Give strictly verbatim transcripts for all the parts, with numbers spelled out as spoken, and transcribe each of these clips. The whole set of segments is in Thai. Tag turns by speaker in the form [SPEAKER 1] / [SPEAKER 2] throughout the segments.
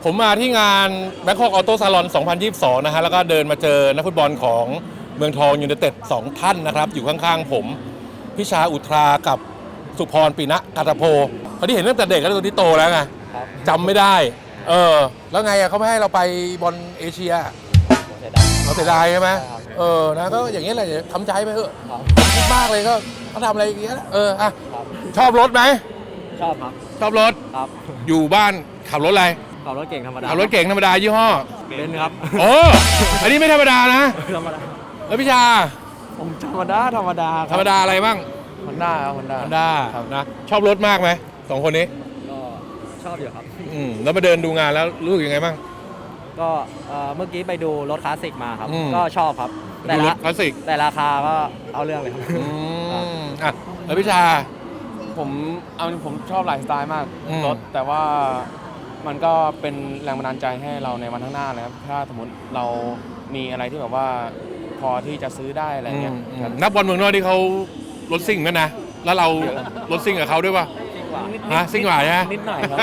[SPEAKER 1] ผมมาที่งาน Bangkok Auto Salon สองพันยี่สิบสองนะฮะแล้วก็เดินมาเจอนักฟุตบอลของเมืองทองยูไนเต็ดสองท่านนะครับอยู่ข้างๆผมพิชาอุทรากับสุพรปีนะกัตโพเขาที่เห็นตั้งแต่เด็กแล้วตัวที่โตแล้วไงจำไม่ได้เออแล้วไงอะเขาไม่ให้เราไปบอลเอเชียเราเสียดายใช่ไหมเออนะก็อย่างนี้แหละทำใจไปเถอะคิดมากเลยก็เขาทำอะไรอย่างเงี้ยเอออ่ะชอบรถไหม
[SPEAKER 2] ชอบครับ
[SPEAKER 1] ชอบรถ
[SPEAKER 2] ครับ
[SPEAKER 1] อยู่บ้านขับรถอะไร
[SPEAKER 2] ขับรถเก่งธรรมดา
[SPEAKER 1] ขับรถเก่งธรรมดายี่ห้อ
[SPEAKER 2] เบนซ์ครับ
[SPEAKER 1] โอ้อันนี้ไม่ธรรมดานะ
[SPEAKER 2] ธรรมดา
[SPEAKER 1] แล้วพี่ชา
[SPEAKER 2] ผมธรรมดาธรรมดา
[SPEAKER 1] ธรรมดาอะไรบ้าง
[SPEAKER 2] ฮอนด้าครับฮอนด้า
[SPEAKER 1] ฮอนด้านะชอบรถมากไหมสองคนนี้
[SPEAKER 2] ก็ชอบอยู่ครับ
[SPEAKER 1] อืมแล้วมาเดินดูงานแล้วรู้สึกยังไงบ้าง
[SPEAKER 2] ก็เมื่อกี้ไปดูรถคลาสสิกมาครับก็ชอบครับ
[SPEAKER 1] แต่รถคลาสสิก
[SPEAKER 2] แต่ราคาก็เอาเรื่องเลยครับ
[SPEAKER 1] อืมอ่ะแล้วพี่ชา
[SPEAKER 3] ผมเอาผมชอบหลายสไตล์มากรถแต่ว่ามันก็เป็นแรงบันดาลใจให้เราในวันข้างหน้าเลยครับถ้าสมมติเรามีอะไรที่แบบว่าพอที่จะซื้อได้อะไรเงี้ย
[SPEAKER 1] นักบอลเมืองนอกที่เขารถซิ่งกันนะแล้วเรารถซิ่งกับเขาด้วยป่ะฮะซิ่งกว่าใช่ไหม
[SPEAKER 2] นิดหน่อยครับ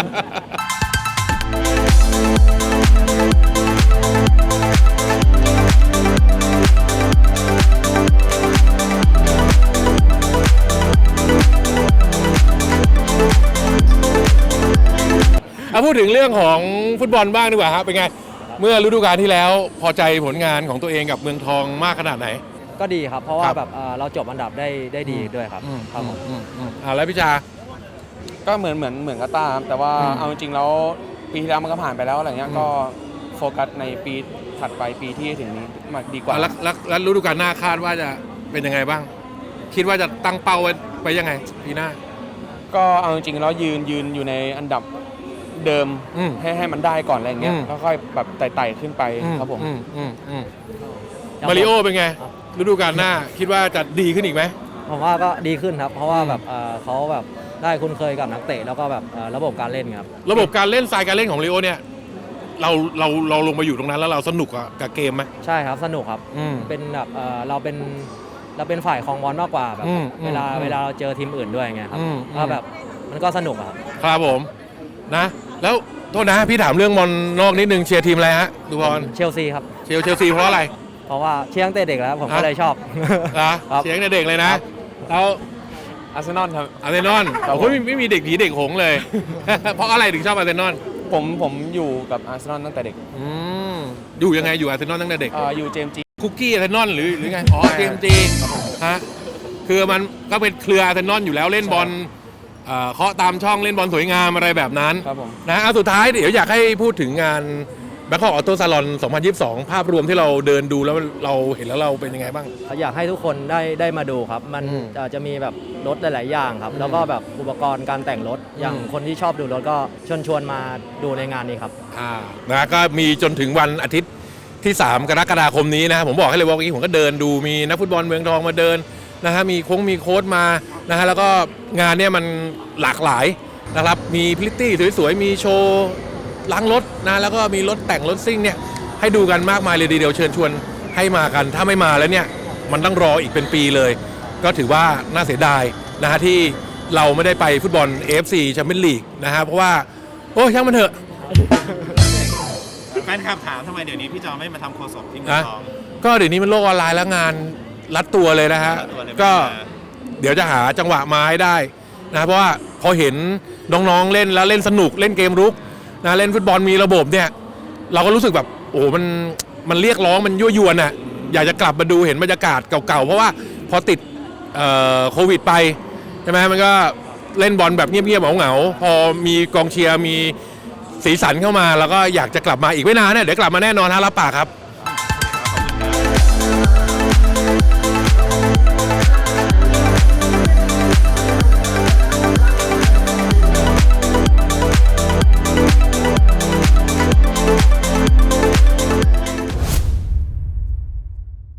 [SPEAKER 1] เอาพูดถึงเรื่องของฟุตบอลบ้างดีกว่าครับเป็นไงเมื่อฤดูกาลที่แล้วพอใจผลงานของตัวเองกับเมืองทองมากขนาดไหน
[SPEAKER 2] ก็ดีครับเพราะว่าแบบเราจบอันดับได้ได้ดีด้วยครับครับผม
[SPEAKER 1] อ่าแล้วพี่ชา
[SPEAKER 3] ก็เหมือนเหมือนเหมือนกับต้าครับแต่ว่าเอาจริงๆแล้วปีที่แล้วมันก็ผ่านไปแล้วอะไรเงี้ยก็โฟกัสในปีถัดไปปีที่ถึงนี้มาดีกว่า
[SPEAKER 1] แล้วแล้วฤดูกาลหน้าคาดว่าจะเป็นยังไงบ้างคิดว่าจะตั้งเป้าไว้ไปยังไงปีหน้า
[SPEAKER 3] ก็เอาจริงๆแล้วยืนยืนอยู่ในอันดับเดิมให้ให้มันได้ก่อนอะไรเงี้ยแล้วค่อยแบบไต่ๆขึ้นไปครับผม
[SPEAKER 1] มาริโอเป็นไงฤดูกาลหน้าคิดว่าจะดีขึ้นอีกไหม
[SPEAKER 2] ผมว่าก็ดีขึ้นครับเพราะว่าแบบเขาแบบได้คุ้นเคยกับนักเตะแล้วก็แบบระบบการเล่นครับ
[SPEAKER 1] ระบบการเล่นสไตล์การเล่นของมาริโอเนี่ยเราเราเราลงมาอยู่ตรงนั้นแล้วเราสนุกกับเกมไหม
[SPEAKER 2] ใช่ครับสนุกครับเป็นแบบเราเป็นเราเป็นฝ่ายครองบอลมากกว่าแบบเวลาเวลาเราเจอทีมอื่นด้วยไงครับก็แบบมันก็สนุกครับ
[SPEAKER 1] ครับผมนะแล้วโทษนะพี่ถามเรื่องบอลนอกนิดนึงเชียร์ทีมอะไรฮะดูบอล
[SPEAKER 2] เชลซีครับ
[SPEAKER 1] เชียร์เชลซีเพราะอะไร
[SPEAKER 2] เพราะว่าเชียร์ตั้งแต่เด็กแล้วผมก็เลยชอบ
[SPEAKER 1] นะเชียร์ตั้งแต่เด็กเลยนะแล้ว
[SPEAKER 3] อาร์เซนอลครับ
[SPEAKER 1] อาร์เซนอลโอ้ยไม่มีเด็กผีเด็กหงเลยเพราะอะไรถึงชอบอาร์เซนอล
[SPEAKER 3] ผมผมอยู่กับอาร์เซนอลตั้งแต่เด็ก
[SPEAKER 1] อืมอยู่ยังไงอยู่อาร์เซนอลตั้งแต่เด็ก
[SPEAKER 3] อ่าอยู่เจมจี
[SPEAKER 1] คุกกี้อาร์เซนอลหรือหรือไงอ๋อเจมจีฮะคือมันก็เป็นเครืออาร์เซนอลอยู่แล้วเล่นบอลเคาะตามช่องเล่นบอลสวยงามอะไรแบบนั้นนะเอาสุดท้ายเดี๋ยวอยากให้พูดถึงงาน Bangkok Auto Salon สองพันยี่สิบสองภาพรวมที่เราเดินดูแล้วเราเห็นแล้วเราเป็นยังไงบ้าง
[SPEAKER 2] อยากให้ทุกคนได้ได้มาดูครับมันจะมีแบบรถหลายๆอย่างครับแล้วก็แบบอุปกรณ์การแต่งรถอย่างคนที่ชอบดูรถก็ชวนชวนมาดูในงานนี้ครับ
[SPEAKER 1] อ่านะก็มีจนถึงวันอาทิตย์ที่สามกรกฎาคมนี้นะผมบอกให้เลยว่าเมื่อกี้ผมก็เดินดูมีนักฟุตบอลเมืองทองมาเดินนะฮะมีโค้งมีโค้ดมานะฮะแล้วก็งานเนี่ยมันหลากหลายนะครับมีพริตตี้สวยๆมีโชว์ล้างรถนะแล้วก็มีรถแต่งรถซิ่งเนี่ยให้ดูกันมากมายเลยเดียวเชิญชวนให้มากันถ้าไม่มาแล้วเนี่ยมันต้องรออีกเป็นปีเลยก็ถือว่าน่าเสียดายนะฮะที่เราไม่ได้ไปฟุตบอล เอ เอฟ ซี Champions League นะฮะเพราะว่าโอ้ช่างมันเถอะ
[SPEAKER 4] แฟนคลับถามทำไมเดี๋ยวนี้พี่จอไม่มาทำโฆษกที่เมืองทอง
[SPEAKER 1] ก็เดี๋ยวนี้มันโลกออนไลน์แล้วงานรัดตัวเลยนะฮะก็เดี๋ยวจะหาจังหวะมาให้ได้นะเพราะว่าพอเห็นน้องๆเล่นแล้วเล่นสนุกเล่นเกมรุกนะเล่นฟุตบอลมีระบบเนี่ยเราก็รู้สึกแบบโอ้มันมันเรียกร้องมันยั่วยวนอ่ะอยากจะกลับมาดูเห็นบรรยากาศเก่าๆเพราะว่าพอติดโควิดไปใช่ไหมมันก็เล่นบอลแบบเงียบๆเหงาๆพอมีกองเชียร์มีสีสันเข้ามาแล้วก็อยากจะกลับมาอีกไม่นานเนี่ยเดี๋ยวกลับมาแน่นอนฮะรับปากครับ